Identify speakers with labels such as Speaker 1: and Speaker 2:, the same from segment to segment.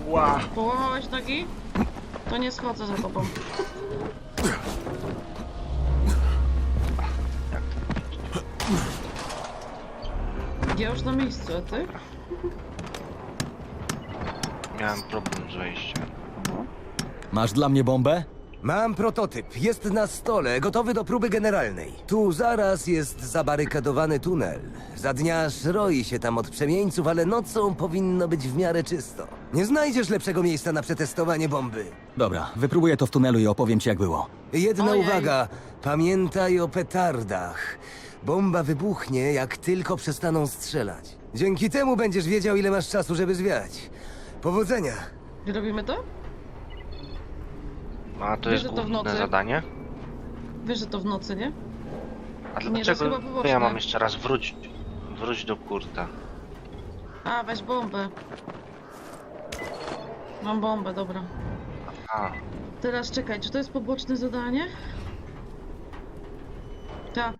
Speaker 1: Ła.
Speaker 2: Połamałeś nogi? To nie schodzę za tobą. Ja już na miejscu, a ty?
Speaker 1: Miałem problem z wejściem.
Speaker 3: Masz dla mnie bombę?
Speaker 4: Mam prototyp. Jest na stole, gotowy do próby generalnej. Tu zaraz jest zabarykadowany tunel. Za dnia roi się tam od przemieńców, ale nocą powinno być w miarę czysto. Nie znajdziesz lepszego miejsca na przetestowanie bomby.
Speaker 3: Dobra, wypróbuję to w tunelu i opowiem ci jak było.
Speaker 4: Jedna
Speaker 2: Ojej.
Speaker 4: uwaga. Pamiętaj o petardach. Bomba wybuchnie, jak tylko przestaną strzelać. Dzięki temu będziesz wiedział, ile masz czasu, żeby zwiać. Powodzenia.
Speaker 2: Robimy to?
Speaker 1: A to
Speaker 2: Wiesz,
Speaker 1: jest
Speaker 2: że to w
Speaker 1: główne
Speaker 2: nocy?
Speaker 1: zadanie?
Speaker 2: Wiesz, że to w nocy, nie?
Speaker 1: A
Speaker 2: Nie, to jest
Speaker 1: dlaczego
Speaker 2: chyba poboczne.
Speaker 1: ja mam jeszcze raz wróć do kurta?
Speaker 2: A, weź bombę. Mam bombę, dobra.
Speaker 1: A,
Speaker 2: Teraz czekaj, czy to jest poboczne zadanie? Tak.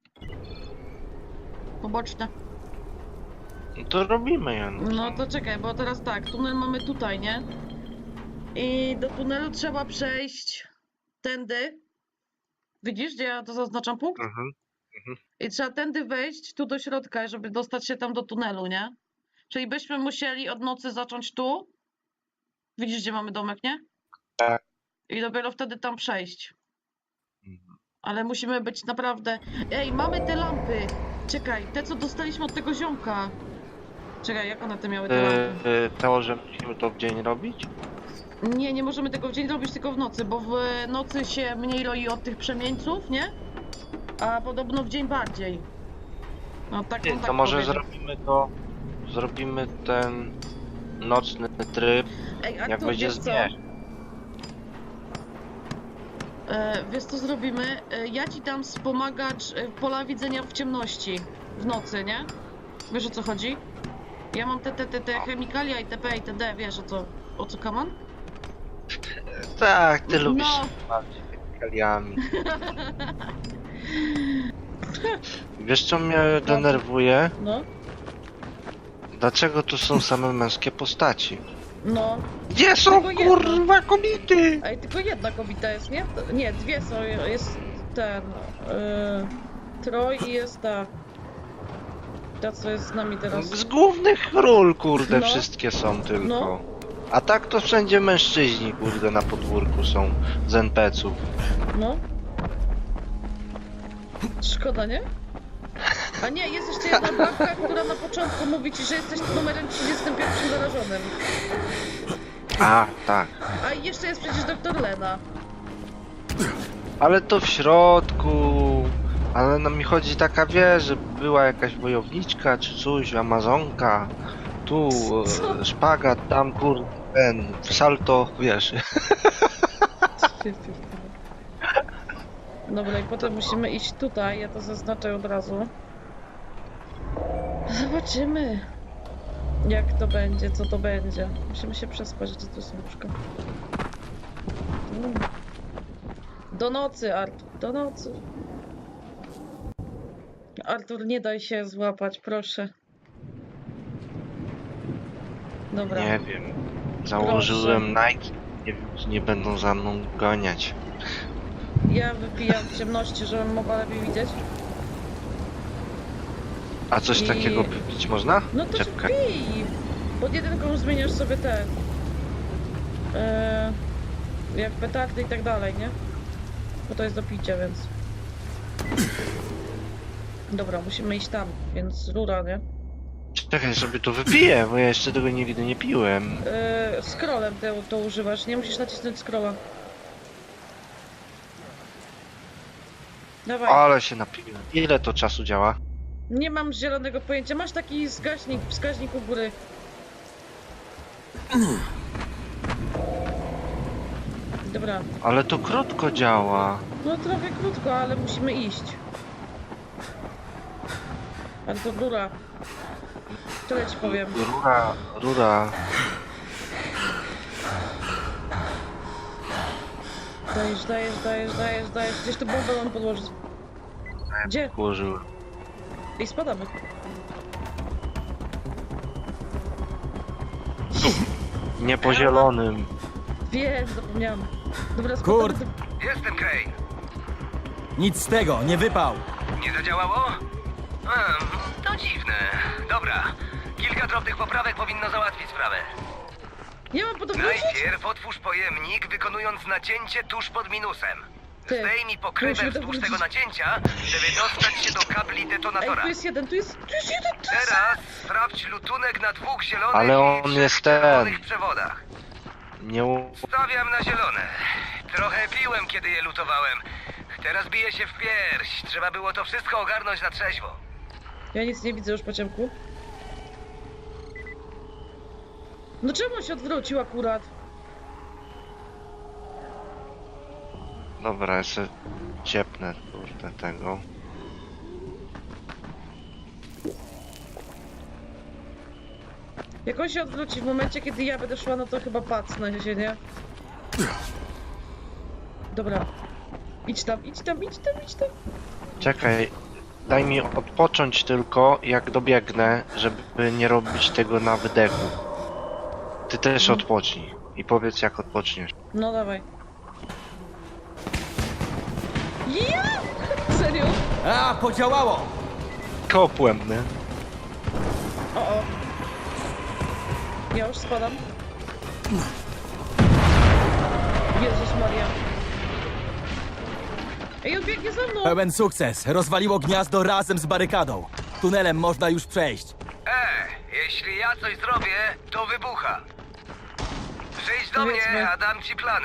Speaker 2: Poboczne.
Speaker 1: no to robimy ją.
Speaker 2: No to czekaj, bo teraz tak, tunel mamy tutaj, nie? I do tunelu trzeba przejść tędy. Widzisz, gdzie ja to zaznaczam punkt?
Speaker 1: Mhm.
Speaker 2: I trzeba tędy wejść tu do środka, żeby dostać się tam do tunelu, nie? Czyli byśmy musieli od nocy zacząć tu. Widzisz, gdzie mamy domek, nie?
Speaker 1: Tak.
Speaker 2: I dopiero wtedy tam przejść.
Speaker 1: Mhm.
Speaker 2: Ale musimy być naprawdę... Ej, mamy te lampy! Czekaj, te co dostaliśmy od tego ziomka. Czekaj, jak one te miały te lampy?
Speaker 1: To, że musimy to w dzień robić?
Speaker 2: Nie, nie możemy tego w dzień robić, tylko w nocy, bo w nocy się mniej roi od tych przemieńców, nie? A podobno w dzień bardziej. No tak on
Speaker 1: To
Speaker 2: tak
Speaker 1: może
Speaker 2: powiedział.
Speaker 1: zrobimy ten nocny tryb,
Speaker 2: Ej,
Speaker 1: jak
Speaker 2: Artur,
Speaker 1: będzie
Speaker 2: wiesz co?
Speaker 1: zmierzch.
Speaker 2: Wiesz co zrobimy? Ja ci dam wspomagacz pola widzenia w ciemności. W nocy, nie? Wiesz o co chodzi? Ja mam te chemikalia itp. itd. Wiesz o co kaman?
Speaker 1: Tak, ty lubisz
Speaker 2: No.
Speaker 1: się bawić chemikaliami. Wiesz co mnie denerwuje?
Speaker 2: No,
Speaker 1: Dlaczego tu są same męskie postaci?
Speaker 2: no.
Speaker 1: Gdzie są
Speaker 2: Tylko jedna.
Speaker 1: kurwa kobiety?
Speaker 2: Ej, tylko jedna kobieta jest, nie? Nie, dwie są. Jest ten... Troj i jest ta... Ta, co jest z nami teraz.
Speaker 1: Z głównych ról kurde
Speaker 2: No.
Speaker 1: wszystkie są tylko.
Speaker 2: No.
Speaker 1: A tak to wszędzie mężczyźni kurde na podwórku są z NPC-ów.
Speaker 2: No. Szkoda, nie? A nie, jest jeszcze jedna babka, która na początku mówi ci, że jesteś numerem 31 zarażonym.
Speaker 1: A, tak.
Speaker 2: A i jeszcze jest przecież doktor Lena.
Speaker 1: Ale to w środku. Ale no mi chodzi taka, wiesz, że była jakaś wojowniczka czy coś, amazonka. Tu
Speaker 2: Co?
Speaker 1: szpagat, tam kurde, ten salto, wiesz.
Speaker 2: Dobra, i potem musimy iść tutaj, ja to zaznaczę od razu. Zobaczymy, jak to będzie, co to będzie. Musimy się przespać, gdzie to są łóżka. Do nocy, Artur, do nocy. Artur, nie daj się złapać, proszę. Dobra.
Speaker 1: Nie wiem. Założyłem Nike. Nie wiem, czy nie będą za mną ganiać.
Speaker 2: Ja wypijam w ciemności, żebym mogła lepiej widzieć.
Speaker 1: A coś
Speaker 2: I-
Speaker 1: takiego pić można?
Speaker 2: No to
Speaker 1: Czepkę.
Speaker 2: pij! Pod jedynką zmieniasz sobie ten... jak petardy i tak dalej, nie? Bo to jest do picia, więc... Dobra, musimy iść tam, więc rura, nie?
Speaker 1: Czekaj, sobie to wypiję, bo ja jeszcze tego nigdy nie piłem.
Speaker 2: Scrollem to używasz, nie musisz nacisnąć scrolla. Dawaj.
Speaker 1: Ale się napiłem. Ile to czasu działa?
Speaker 2: Nie mam zielonego pojęcia. Masz taki wskaźnik u góry. Dobra.
Speaker 1: Ale to krótko działa.
Speaker 2: No trochę krótko, ale musimy iść. Ale to rura. Tyle ci powiem.
Speaker 1: Rura.
Speaker 2: Dajesz. Gdzieś tu bombę mam podłożyć. Gdzie?
Speaker 1: Włożyłem.
Speaker 2: I spadamy.
Speaker 1: Nie po zielonym.
Speaker 2: Wiem, zapomniałam. Dobra,
Speaker 3: Kurt!
Speaker 2: spokojnie.
Speaker 4: Jestem Crane.
Speaker 3: Nic z tego, nie wypał!
Speaker 4: Nie zadziałało? To dziwne. Dobra. Kilka drobnych poprawek powinno załatwić sprawę.
Speaker 2: Nie mam podobności?
Speaker 4: Najpierw otwórz pojemnik, wykonując nacięcie tuż pod minusem.
Speaker 2: Ty,
Speaker 4: Zdejmij pokrywę
Speaker 2: musimy
Speaker 4: wzdłuż
Speaker 2: to
Speaker 4: tego nacięcia, żeby dostać się do kabli
Speaker 2: Ej,
Speaker 4: detonatora.
Speaker 2: tu jest jeden, tu jest jeden, tu jest...
Speaker 4: Teraz sprawdź lutunek na 2 zielonych
Speaker 1: Ale
Speaker 4: i
Speaker 1: on
Speaker 4: 3
Speaker 1: jest
Speaker 4: czerwonych
Speaker 1: ten.
Speaker 4: przewodach.
Speaker 1: Nie
Speaker 4: Stawiam na zielone. Trochę piłem, kiedy je lutowałem. Teraz biję się w pierś. Trzeba było to wszystko ogarnąć na trzeźwo.
Speaker 2: Ja nic nie widzę już po ciemku. No czemu on się odwrócił akurat?
Speaker 1: Dobra, jeszcze ciepnę kurde tego.
Speaker 2: Jak on się odwróci w momencie, kiedy ja będę szła, no to chyba pacnę się, nie? Dobra. Idź tam, idź tam, idź tam, idź tam.
Speaker 1: Czekaj, daj mi odpocząć tylko, jak dobiegnę, żeby nie robić tego na wydechu. Ty też odpocznij i powiedz, jak odpoczniesz.
Speaker 2: No dawaj. Ja! Serio?
Speaker 3: A, podziałało!
Speaker 1: Kopłem, nie?
Speaker 2: O. Ja już spadam. Jezus Maria. Ej, on biegnie za mną!
Speaker 3: Pełen sukces, rozwaliło gniazdo razem z barykadą. Tunelem można już przejść.
Speaker 4: Jeśli ja coś zrobię, to wybucha. Przyjdź do
Speaker 2: Powiedzmy.
Speaker 4: mnie, a dam ci plany.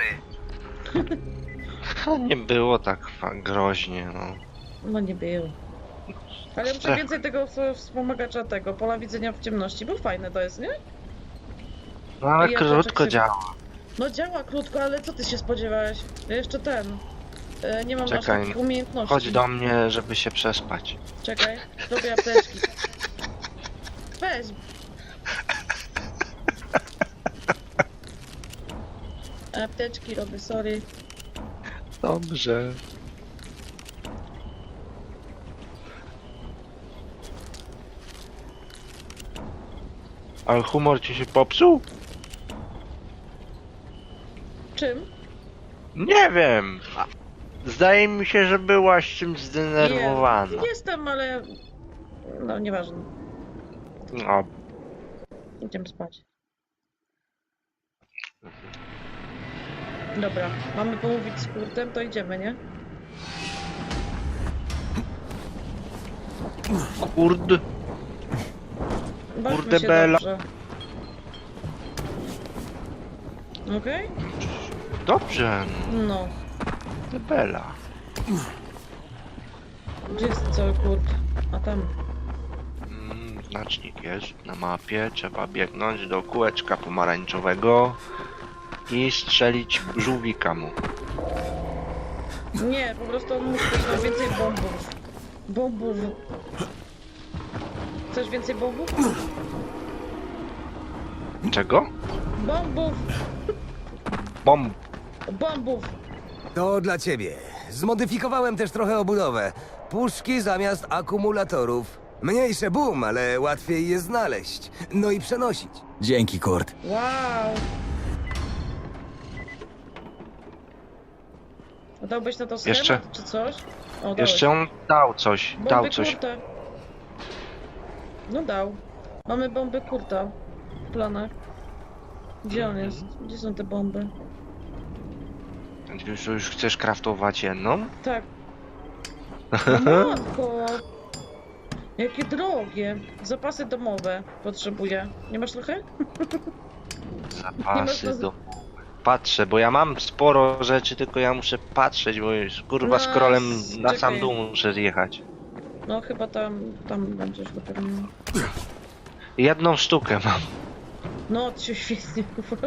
Speaker 1: Nie było tak groźnie, no.
Speaker 2: No nie było. Ale muszę
Speaker 1: Tak.
Speaker 2: więcej tego wspomagacza tego, pola widzenia w ciemności, bo fajne to jest, nie?
Speaker 1: No ale
Speaker 2: Ja
Speaker 1: krótko
Speaker 2: zaczek się-
Speaker 1: działa.
Speaker 2: No działa krótko, ale co ty się spodziewałeś? Ja jeszcze ten. Nie mam aż
Speaker 1: Czekaj,
Speaker 2: takich umiejętności.
Speaker 1: Chodź do mnie, żeby się przespać.
Speaker 2: Czekaj, robię apteczki. Weź. Apteczki robię, sorry.
Speaker 1: Dobrze. Ale humor ci się popsuł?
Speaker 2: Czym?
Speaker 1: Nie wiem. Zdaje mi się, że byłaś czymś zdenerwowana.
Speaker 2: Nie, jestem, ale... No, nieważne.
Speaker 1: No,
Speaker 2: Idziemy spać. Dobra, mamy pomówić z Kurtem, to idziemy, nie?
Speaker 1: kurde.
Speaker 2: Bawmy
Speaker 1: Kurde,
Speaker 2: się
Speaker 1: Bela.
Speaker 2: dobrze. Okej?
Speaker 1: Dobrze,
Speaker 2: No.
Speaker 1: no, Bela.
Speaker 2: Gdzie jest cały Kurt? A tam.
Speaker 1: Znacznik jest na mapie. Trzeba biegnąć do kółeczka pomarańczowego i strzelić żółwika mu.
Speaker 2: Nie, po prostu on musi mieć więcej bombów. Bombów. Chcesz więcej bombów?
Speaker 1: Czego?
Speaker 2: Bombów!
Speaker 1: Bomb.
Speaker 2: Bombów!
Speaker 4: To dla ciebie. Zmodyfikowałem też trochę obudowę. Puszki zamiast akumulatorów. Mniejsze boom, ale łatwiej je znaleźć. No i przenosić.
Speaker 3: Dzięki, Kurt.
Speaker 2: Wow! A dałbyś na to schemat,
Speaker 1: Jeszcze-
Speaker 2: czy coś? O, dałeś.
Speaker 1: Jeszcze on dał coś.
Speaker 2: Bomby
Speaker 1: Dał coś.
Speaker 2: Kurta. No dał. Mamy bomby Kurta w planach. Gdzie on jest? Gdzie są te bomby?
Speaker 1: Już chcesz kraftować jedną?
Speaker 2: Tak. No matko! Jakie drogie! Zapasy domowe potrzebuję. Nie masz trochę?
Speaker 1: Zapasy
Speaker 2: to-
Speaker 1: do... Patrzę, bo ja mam sporo rzeczy, tylko ja muszę patrzeć, bo już kurwa
Speaker 2: No,
Speaker 1: scrollem na
Speaker 2: czekaj.
Speaker 1: sam dół muszę zjechać.
Speaker 2: No chyba tam będzie już dopiero.
Speaker 1: Jedną sztukę mam.
Speaker 2: No, to się świetnie.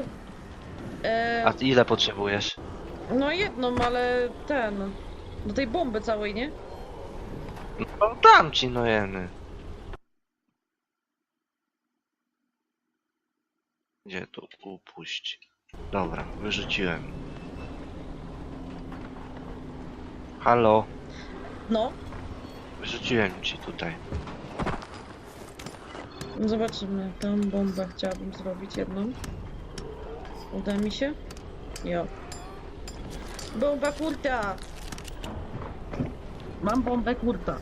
Speaker 1: A ile potrzebujesz?
Speaker 2: No jedną, ale ten. Do tej bomby całej, nie?
Speaker 1: No dam ci no jeny. Gdzie tu upuść? Dobra, wyrzuciłem. Halo,
Speaker 2: No,
Speaker 1: wyrzuciłem ci tutaj.
Speaker 2: zobaczymy. Tam bombę chciałabym zrobić jedną. Uda mi się? Jo. Bomba kurta! Mam bombę kurta.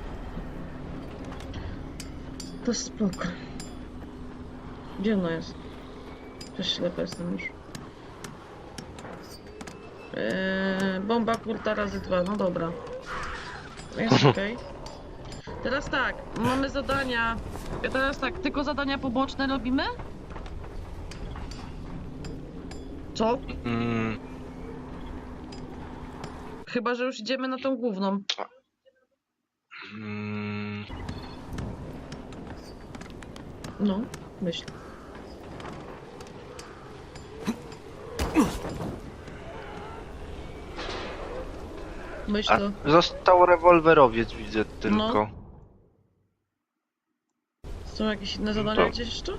Speaker 2: To spoko. Gdzie ona jest? Też ślepy jestem już. Bomba kurta razy 2, no dobra. Jest okej. Teraz tak, mamy zadania. Teraz tak, tylko zadania poboczne robimy? Co?
Speaker 1: Mm,
Speaker 2: Chyba, że już idziemy na tą główną.
Speaker 1: mm,
Speaker 2: No, myśl. Myśl
Speaker 1: a
Speaker 2: to.
Speaker 1: został rewolwerowiec, widzę tylko.
Speaker 2: Są jakieś inne zadania
Speaker 1: to-
Speaker 2: gdzieś jeszcze?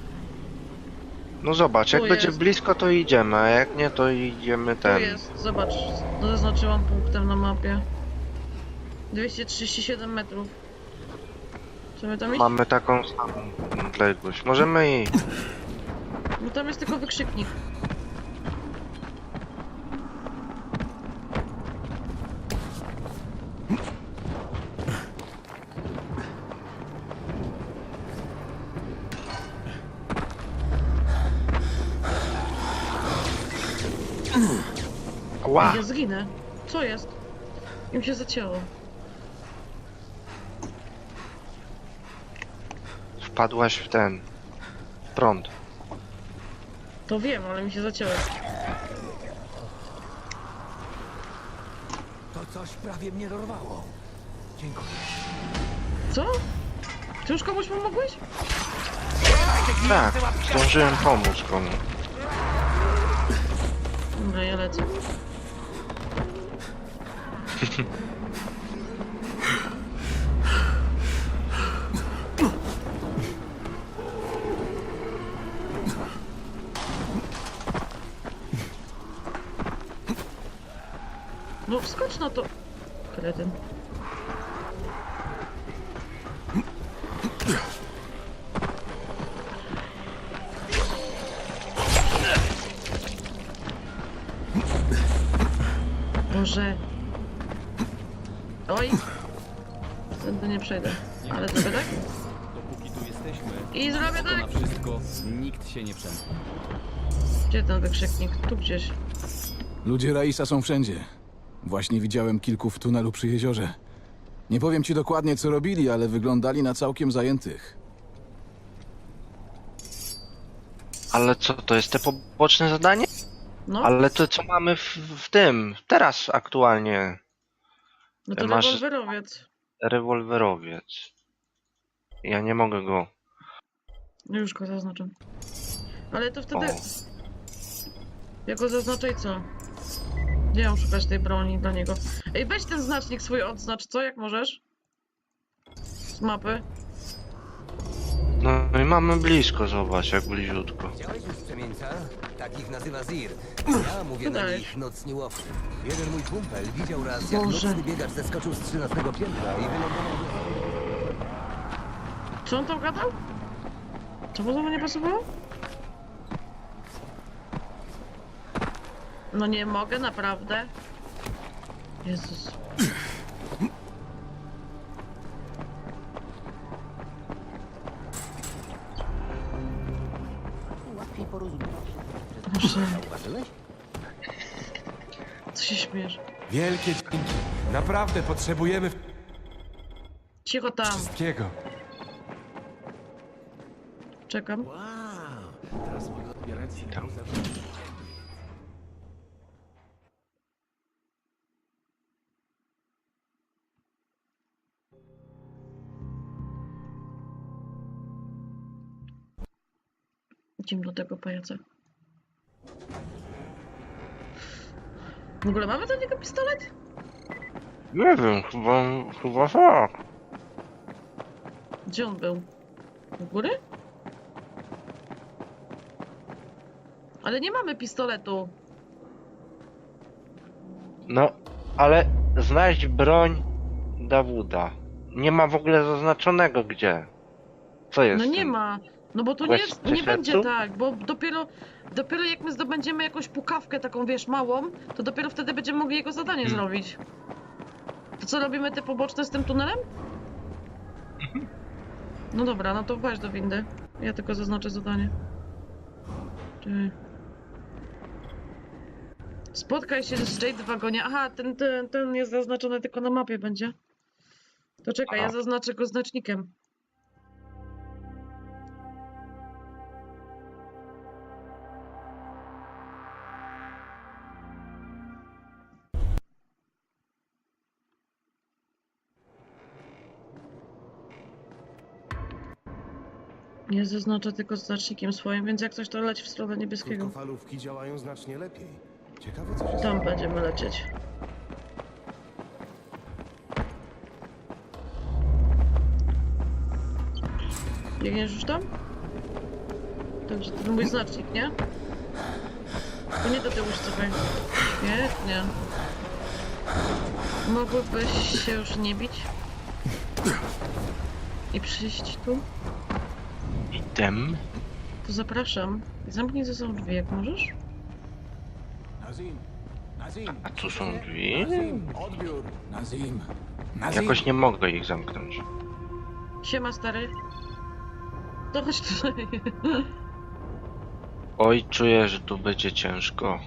Speaker 1: No zobacz, jak
Speaker 2: Tu
Speaker 1: będzie
Speaker 2: jest.
Speaker 1: blisko, to idziemy, a jak nie, to idziemy
Speaker 2: Tu
Speaker 1: ten.
Speaker 2: jest, zobacz. Zaznaczyłam punktem na mapie. 237 metrów. Chcemy tam iść?
Speaker 1: Mamy taką samą odległość. Możemy iść.
Speaker 2: No tam jest tylko wykrzyknik.
Speaker 1: Ła!
Speaker 2: Ja zginę. Co jest? Im się zacięło.
Speaker 1: Wpadłaś w ten prąd.
Speaker 2: To wiem, ale mi się zacięło.
Speaker 4: To coś prawie mnie dorwało. Dziękuję.
Speaker 2: Co? Ty już komuś pomogłeś?
Speaker 1: Tak, zdążyłem pomóc komu.
Speaker 2: Dobra, ja lecę. No wskocz na to. Kretyn. Boże. Oj. Tędy nie przejdę. Ale zrobię tak?
Speaker 3: Dopóki tu jesteśmy,
Speaker 2: I zrobię
Speaker 3: to na
Speaker 2: tak.
Speaker 3: wszystko nikt się nie przemknie.
Speaker 2: Gdzie ten wykrzyknik? Tu gdzieś.
Speaker 5: Ludzie Raisa są wszędzie. Właśnie widziałem kilku w tunelu przy jeziorze. Nie powiem ci dokładnie, co robili, ale wyglądali na całkiem zajętych.
Speaker 1: Ale co, to jest te poboczne zadanie?
Speaker 2: No,
Speaker 1: Ale to co mamy w tym, teraz aktualnie,
Speaker 2: no to
Speaker 1: masz-
Speaker 2: rewolwerowiec.
Speaker 1: rewolwerowiec. Ja nie mogę go.
Speaker 2: Już go zaznaczam. Ale to wtedy...
Speaker 1: O.
Speaker 2: Ja go zaznaczę i co? Gdzie mam szukać tej broni dla niego? Ej, weź ten znacznik swój odznacz, co? Jak możesz? Z mapy.
Speaker 1: No i mamy blisko, zobacz, jak bliziutko.
Speaker 4: Widziałeś już przemieńca? Takich nazywa Zir. Ja mówię na
Speaker 2: Daj.
Speaker 4: nich nocni łowcy. Jeden mój kumpel widział raz, jak
Speaker 2: Boże.
Speaker 4: nocny biegacz zeskoczył z 13 piętra i wylądował...
Speaker 2: Co on tam gadał? Co mu znowu nie pasowało? No nie mogę, naprawdę. Jezus. Boże, co się śmiesz?
Speaker 6: Wielkie dzięki. Naprawdę potrzebujemy
Speaker 2: Cicho tam,
Speaker 6: wszystkiego.
Speaker 2: czekam. Idziemy do tego pajaca. W ogóle mamy do niego pistolet?
Speaker 1: Nie wiem, chyba tak.
Speaker 2: Gdzie on był? U góry? Ale nie mamy pistoletu.
Speaker 1: No, ale znaleźć broń Dawuda. Nie ma w ogóle zaznaczonego gdzie. Co jest?
Speaker 2: No
Speaker 1: z
Speaker 2: nie
Speaker 1: tym?
Speaker 2: ma. No bo tu nie,
Speaker 1: Weźcie
Speaker 2: nie będzie
Speaker 1: sercu?
Speaker 2: tak, bo dopiero jak my zdobędziemy jakąś pukawkę taką, wiesz, małą, to dopiero wtedy będziemy mogli jego zadanie zrobić. To co, robimy te poboczne z tym tunelem? No dobra, no to weź do windy. Ja tylko zaznaczę zadanie. Czekaj. Spotkaj się z Jade w wagonie. Aha, ten jest zaznaczony tylko na mapie będzie. To czekaj, ja
Speaker 1: Aha.
Speaker 2: zaznaczę go znacznikiem. Nie zaznaczę tylko znacznikiem swoim, więc jak coś to leć w stronę niebieskiego.
Speaker 7: Krótkofalówki działają znacznie lepiej. Ciekawe, co się
Speaker 2: Tam będziemy lecieć. Biegniesz już tam? Także to mój znacznik, nie? To nie do tyłu już cofaj. Świetnie. Mogłybyś się już nie bić? I przyjść tu?
Speaker 1: Item.
Speaker 2: To zapraszam. Zamknij ze sobą drzwi, jak możesz.
Speaker 5: Nazim! Nazim!
Speaker 1: A tu są drzwi?
Speaker 5: Nazim! Odbiór! Nazim! Nazim!
Speaker 1: Jakoś nie mogę ich zamknąć.
Speaker 2: Siema, stary. To chodź tutaj.
Speaker 1: Oj, czuję, że tu będzie ciężko.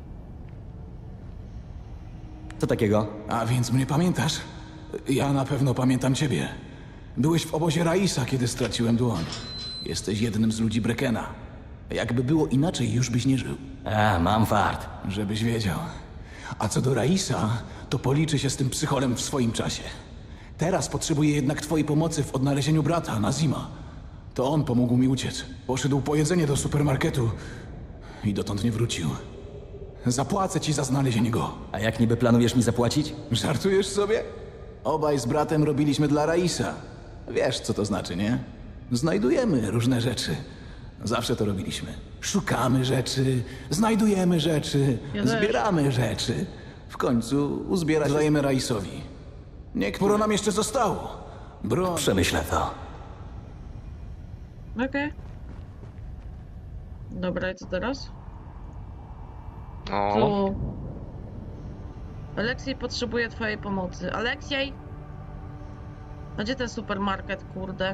Speaker 3: Co takiego?
Speaker 5: A więc mnie pamiętasz? Ja na pewno pamiętam ciebie. Byłeś w obozie Raisa, kiedy straciłem dłoń. Jesteś jednym z ludzi Brekena. Jakby było inaczej, już byś nie żył.
Speaker 3: Mam fart.
Speaker 5: Żebyś wiedział. A co do Raisa, to policzy się z tym psycholem w swoim czasie. Teraz potrzebuję jednak twojej pomocy w odnalezieniu brata, Nazima. To on pomógł mi uciec. Poszedł po jedzenie do supermarketu i dotąd nie wrócił. Zapłacę ci za znalezienie go.
Speaker 3: A jak niby planujesz mi zapłacić?
Speaker 5: Żartujesz sobie? Obaj z bratem robiliśmy dla Raisa. Wiesz, co to znaczy, nie? Znajdujemy różne rzeczy. Zawsze to robiliśmy. Szukamy rzeczy, znajdujemy rzeczy,
Speaker 2: Ja też.
Speaker 5: zbieramy rzeczy. W końcu uzbierać dajemy Raisowi. Niektóre nam jeszcze zostało. Broń.
Speaker 3: Przemyślę to.
Speaker 2: Okej. Dobra, i co teraz?
Speaker 1: No,
Speaker 2: Tu. Aleksiej potrzebuje twojej pomocy. Aleksiej! A gdzie ten supermarket, kurde?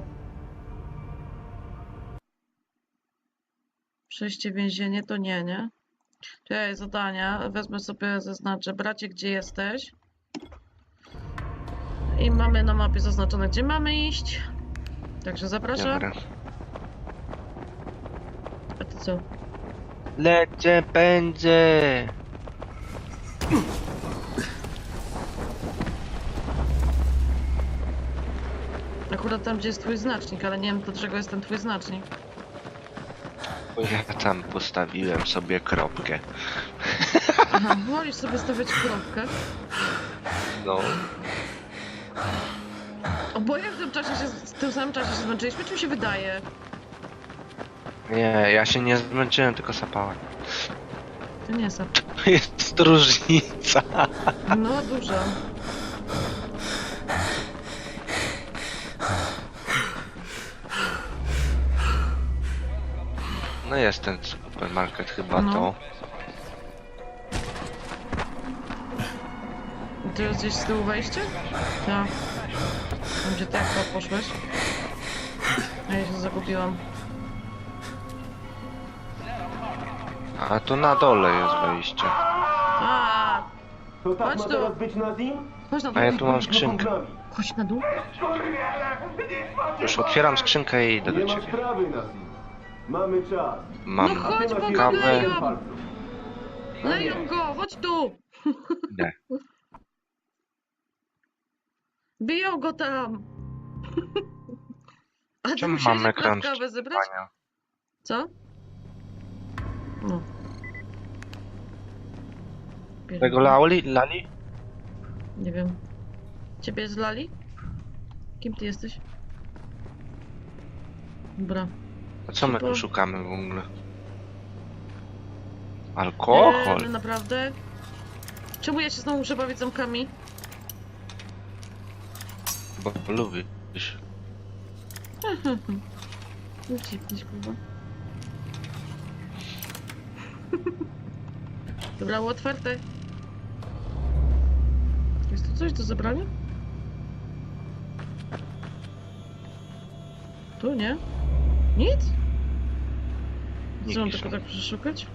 Speaker 2: Przejście więzienie to nie, nie? Czekaj, zadania. Wezmę sobie, zaznaczę. Bracie, gdzie jesteś? I mamy na mapie zaznaczone, gdzie mamy iść. Także zapraszam.
Speaker 1: dobra.
Speaker 2: A ty co?
Speaker 1: Lecę, pędzę!
Speaker 2: Akurat tam, gdzie jest twój znacznik, ale nie wiem, do czego jest ten twój znacznik.
Speaker 1: Bo ja tam postawiłem sobie kropkę.
Speaker 2: Aha, wolisz sobie stawiać kropkę.
Speaker 1: No,
Speaker 2: Oboje w tym samym czasie się zmęczyliśmy, czy mi się wydaje?
Speaker 1: nie, ja się nie zmęczyłem, tylko sapałem.
Speaker 2: To nie jest.
Speaker 1: Jest różnica.
Speaker 2: No, dużo.
Speaker 1: No jest ten supermarket chyba
Speaker 2: No.
Speaker 1: to.
Speaker 2: Tu jest gdzieś z tyłu wejście? Tak. Tam, gdzie ty jak poszłeś? A ja się zagubiłam.
Speaker 1: A tu na dole jest wejście.
Speaker 2: A,
Speaker 8: To tak
Speaker 2: Chodź
Speaker 8: ma
Speaker 2: tu.
Speaker 8: teraz być Nazim?
Speaker 2: chodź na dół.
Speaker 1: A ja tu mam skrzynkę.
Speaker 2: Chodź na dół.
Speaker 1: Już otwieram skrzynkę i idę
Speaker 8: Nie
Speaker 1: do
Speaker 8: ma
Speaker 1: ciebie.
Speaker 8: sprawy, Nazim. Mamy czas.
Speaker 1: Mam
Speaker 2: No chodź,
Speaker 8: Nie ma
Speaker 2: bo
Speaker 8: siły
Speaker 2: go
Speaker 1: kawę.
Speaker 2: leją!
Speaker 8: palców.
Speaker 2: Leją go, chodź tu!
Speaker 1: idę.
Speaker 2: Biją go tam! A ty
Speaker 1: Czemu
Speaker 2: musiałeś
Speaker 1: mam ekran
Speaker 2: akurat kawę zebrać?
Speaker 1: wczytywania?
Speaker 2: Co? No.
Speaker 1: Tego Lali?
Speaker 2: Nie wiem. Ciebie zlali? Kim ty jesteś? Dobra.
Speaker 1: A co my
Speaker 2: Super.
Speaker 1: tu szukamy w ogóle? Alkohol?
Speaker 2: No naprawdę? Czemu ja się znowu muszę bawić zamkami?
Speaker 1: Bo lubisz.
Speaker 2: Ucieknij, kurwa. Dobra, było otwarte. Jest tu coś do zabrania? Tu nie? Nic? Co mam
Speaker 1: Nikt
Speaker 2: tylko
Speaker 1: nie.
Speaker 2: tak przeszukać?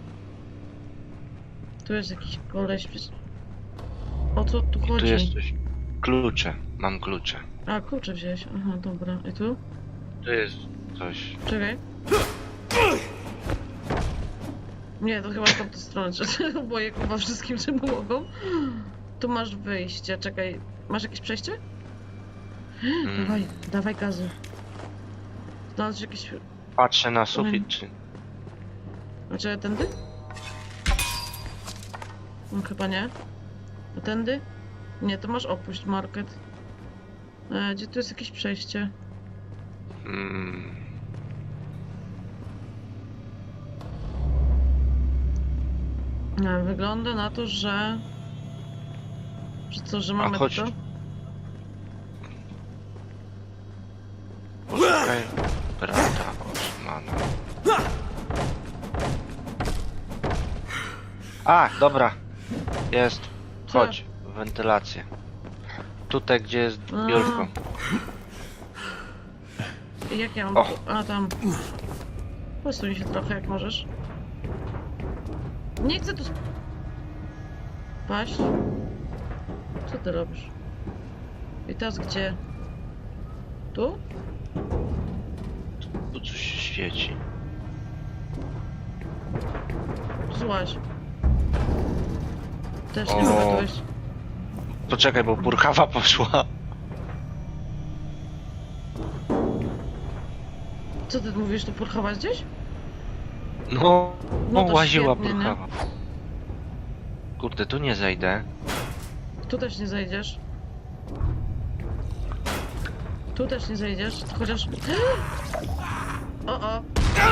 Speaker 2: Tu jest jakiś koleś. O co tu
Speaker 1: Tu
Speaker 2: chodzi?
Speaker 1: jest coś. Klucze. Mam klucze.
Speaker 2: A, klucze wziąłeś. Aha, dobra. I tu?
Speaker 1: Tu jest coś.
Speaker 2: Czekaj. Nie, to chyba w tamtą stronę. Boję chyba wszystkim, czym mogą. Tu masz wyjście, czekaj. Masz jakieś przejście? Dawaj, dawaj gazu. Znalazłeś jakieś...
Speaker 1: Patrzę na sufit, czy...
Speaker 2: Znaczy, tędy? No chyba nie. A tędy? Nie, to masz opuść market. Gdzie tu jest jakieś przejście? Wygląda na to, że... Że co, że mamy
Speaker 1: chodź.
Speaker 2: to?
Speaker 1: Poszukaj brata Osmana. A, dobra. Jest.
Speaker 2: Co?
Speaker 1: Chodź. Wentylację. Tutaj, gdzie jest biurko.
Speaker 2: Jak ja mam
Speaker 1: O.
Speaker 2: tu? A, tam. Posuń się trochę, jak możesz. Nie chcę tu paść. Co ty robisz? I teraz gdzie? Tu?
Speaker 1: Tu coś się świeci.
Speaker 2: Złaź. Też nie
Speaker 1: O.
Speaker 2: mogę tu wejść.
Speaker 1: Poczekaj, bo burkawa poszła.
Speaker 2: Co ty mówisz, tu porchować gdzieś?
Speaker 1: No,
Speaker 2: No to
Speaker 1: łaziła
Speaker 2: świetnie, nie?
Speaker 1: burkawa. Kurde, tu nie zejdę.
Speaker 2: Tu też nie zejdziesz. Tu też nie zejdziesz, chociaż... O! Au!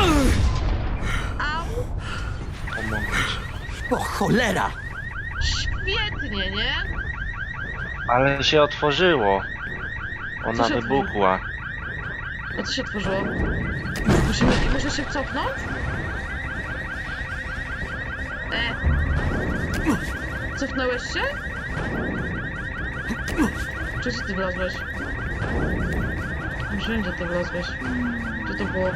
Speaker 1: Pomogę ci.
Speaker 3: O cholera!
Speaker 2: Świetnie, nie?
Speaker 1: Ale się otworzyło. Ona
Speaker 2: Co się
Speaker 1: wybuchła.
Speaker 2: A co się otworzyło? Muszę się cofnąć? Cofnąłeś się? Czy ty wlazłeś? Wszędzie ty wlazłeś. Gdzie to było?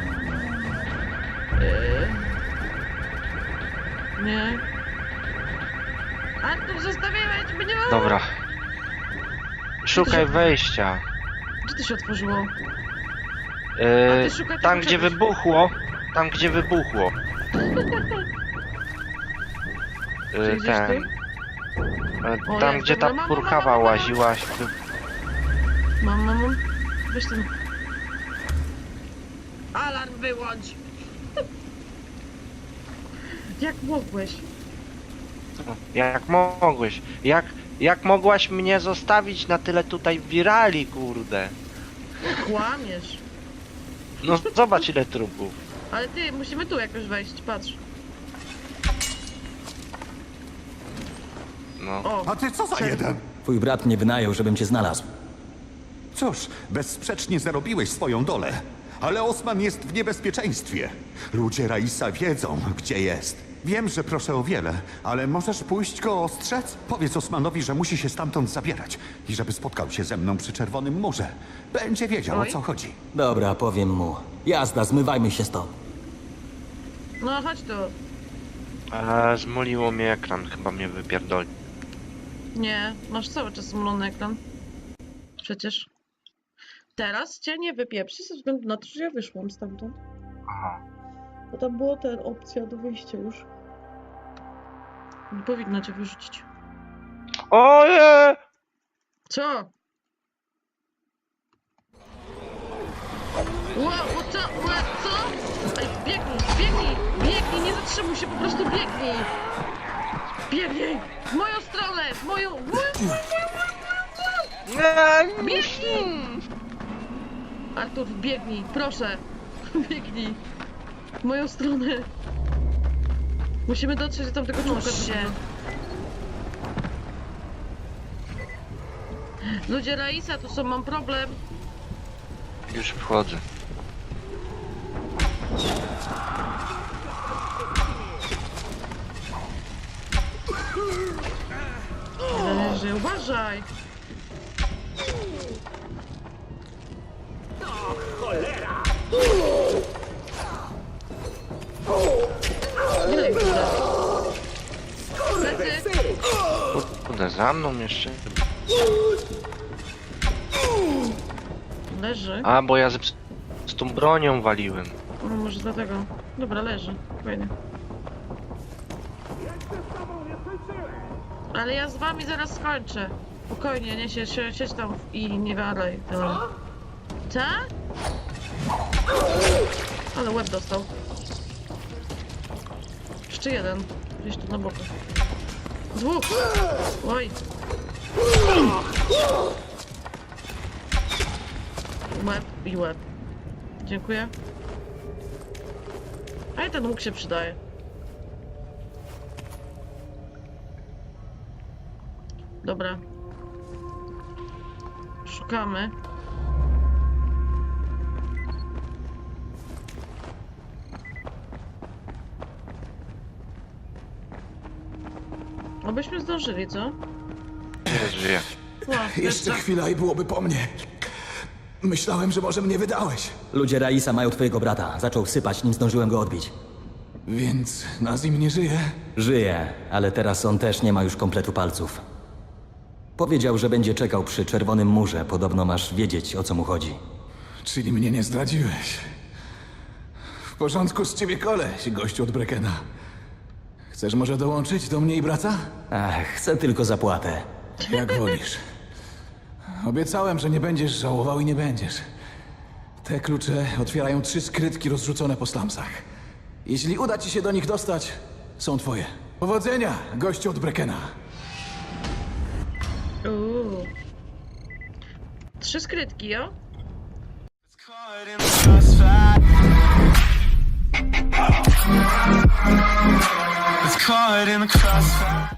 Speaker 2: Nie. Artur, zostawiłeś mnie!
Speaker 1: Dobra. Szukaj wejścia.
Speaker 2: Gdzie to się otworzyło?
Speaker 1: Yy,
Speaker 2: ty szukaj
Speaker 1: tam
Speaker 2: tego
Speaker 1: gdzie
Speaker 2: czegoś.
Speaker 1: wybuchło. Tam gdzie wybuchło.
Speaker 2: Czy gdzieś
Speaker 1: Ten.
Speaker 2: O,
Speaker 1: Tam
Speaker 2: jest,
Speaker 1: gdzie
Speaker 2: dobra,
Speaker 1: ta
Speaker 2: mam.
Speaker 1: burkawa łaziła.
Speaker 2: Mam. Weź ten. Alarm wyłącz! Jak mogłeś?
Speaker 1: Jak mogłeś? Jak mogłaś mnie zostawić na tyle tutaj wirali, kurde?
Speaker 2: Kłamiesz.
Speaker 1: No zobacz ile trupów.
Speaker 2: Ale ty, musimy tu jakoś wejść, patrz.
Speaker 1: No.
Speaker 2: O,
Speaker 9: A ty co za jeden?
Speaker 3: Twój brat mnie wynajął, żebym cię znalazł.
Speaker 9: Cóż, bezsprzecznie zarobiłeś swoją dolę. Ale Osman jest w niebezpieczeństwie. Ludzie Raisa wiedzą, gdzie jest. Wiem, że proszę o wiele, ale możesz pójść go ostrzec? Powiedz Osmanowi, że musi się stamtąd zabierać i żeby spotkał się ze mną przy Czerwonym Murze. Będzie wiedział, o
Speaker 2: Oj.
Speaker 9: co chodzi.
Speaker 3: Dobra, powiem mu. Jazda, zmywajmy się stąd.
Speaker 2: no chodź tu.
Speaker 1: Zmoliło mnie ekran, chyba mnie wypierdoli.
Speaker 2: Nie, masz cały czas zmulony ekran. Przecież. Teraz cię nie wypieprzy ze względu na to, że ja wyszłam stamtąd.
Speaker 1: Aha.
Speaker 2: Bo tam była ta opcja do wyjścia już. Nie powinno cię wyrzucić.
Speaker 1: Oje!
Speaker 2: Co? Co? Ej, biegnij, nie zatrzymuj się, po prostu biegnij! Biegnij! W moją stronę! W moją... Biegnij! Artur, biegnij, proszę! Biegnij! W moją stronę! Musimy dotrzeć do tamtego człowieka. Ludzie Raisa, tu są, mam problem.
Speaker 1: Już wchodzę.
Speaker 2: Leży, uważaj! Ile ich uda? Plecy!
Speaker 1: Kurde, za mną jeszcze.
Speaker 2: Leży.
Speaker 1: A, bo ja z tą bronią waliłem.
Speaker 2: No może dlatego. Dobra, leży. Fajnie. Ale ja z wami zaraz skończę. Spokojnie, nie siedź tam i nie walej. Co? Ale łeb dostał. Jeszcze jeden. Gdzieś tu na boku. Dwóch! Oj! Łeb i łeb. Dziękuję. A i ten łuk się przydaje. Dobra. Szukamy. Obyśmy zdążyli, co?
Speaker 1: Nie żyje.
Speaker 2: O,
Speaker 5: Jeszcze chwila i byłoby po mnie. Myślałem, że może mnie wydałeś.
Speaker 3: Ludzie Raisa mają twojego brata. Zaczął sypać, nim zdążyłem go odbić.
Speaker 5: Więc Nazim nie żyje?
Speaker 3: Żyje, ale teraz on też nie ma już kompletu palców. Powiedział, że będzie czekał przy czerwonym murze. Podobno masz wiedzieć, o co mu chodzi.
Speaker 5: Czyli mnie nie zdradziłeś. W porządku z ciebie koleś, gościu od Brekena. Chcesz może dołączyć do mnie i brata?
Speaker 3: Ach, chcę tylko zapłatę.
Speaker 5: Jak wolisz. Obiecałem, że nie będziesz żałował i nie będziesz. Te klucze otwierają 3 skrytki rozrzucone po slumsach. Jeśli uda ci się do nich dostać, są twoje. Powodzenia, gościu od Brekena.
Speaker 2: 3 skrytki, jo?
Speaker 10: It's caught in the crossfire.